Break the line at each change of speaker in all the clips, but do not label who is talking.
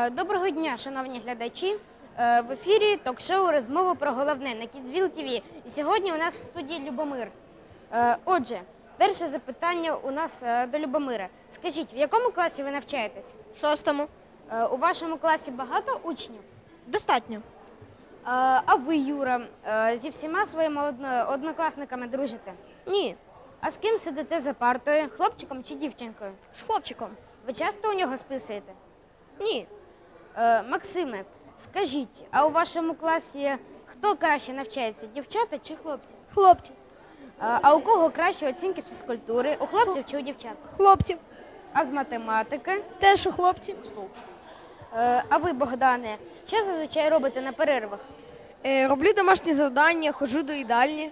Доброго дня, шановні глядачі. В ефірі ток-шоу «Розмова про головне» на Kidsville TV. І сьогодні у нас в студії Любомир. Отже, перше запитання у нас до Любомира. Скажіть, в якому класі ви навчаєтесь?
В 6-му.
У вашому класі багато учнів?
Достатньо.
А ви, Юра, зі всіма своїми однокласниками дружите?
Ні.
А з ким сидите за партою, хлопчиком чи дівчинкою?
З хлопчиком.
Ви часто у нього списуєте?
Ні.
Максиме, скажіть, а у вашому класі хто краще навчається, дівчата чи хлопці?
Хлопці.
А у кого кращі оцінки фізкультури, у хлопців чи у дівчат?
Хлопців.
А з математики?
Теж у хлопців.
А ви, Богдане, що зазвичай робите на перервах?
Роблю домашні завдання, ходжу до їдальні.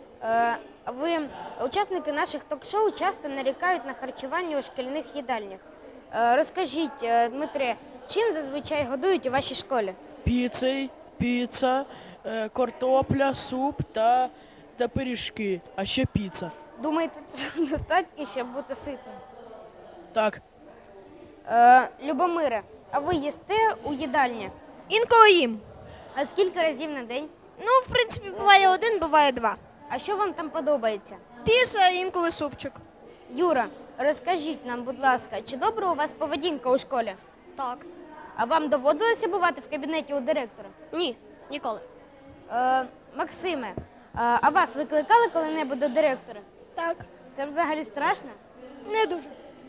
Учасники наших ток-шоу часто нарікають на харчування у шкільних їдальнях. Розкажіть, Дмитре, чим зазвичай годують у вашій школі?
Піца, картопля, суп та пиріжки, а ще піца.
Думаєте, цього достатньо, щоб бути ситним?
Так.
Любомире, а ви їсте у їдальні?
Інколи їм.
А скільки разів на день?
Ну, в принципі, буває один, буває два.
А що вам там подобається?
Піца, інколи супчик.
Юра, розкажіть нам, будь ласка, чи добра у вас поведінка у школі?
Так.
А вам доводилося бувати в кабінеті у директора?
Ні, ніколи.
Максиме, а вас викликали коли-небудь до директора?
Так.
Це взагалі страшно?
Не дуже.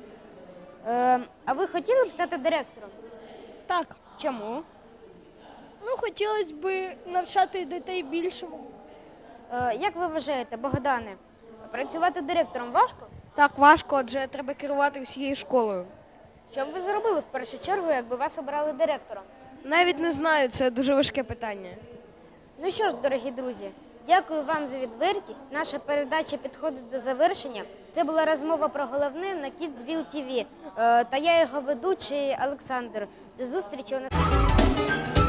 А ви хотіли б стати директором?
Так.
Чому?
Ну, хотілося б навчати дітей більшому.
Як ви вважаєте, Богдане, працювати директором важко?
Так, важко, адже треба керувати всією школою.
Що б ви зробили в першу чергу, якби вас обрали директором?
Навіть не знаю, це дуже важке питання.
Ну що ж, дорогі друзі, дякую вам за відвертість. Наша передача підходить до завершення. Це була розмова про головне на Kidsville TV. Та я його ведучий Олександр. До зустрічі у нас.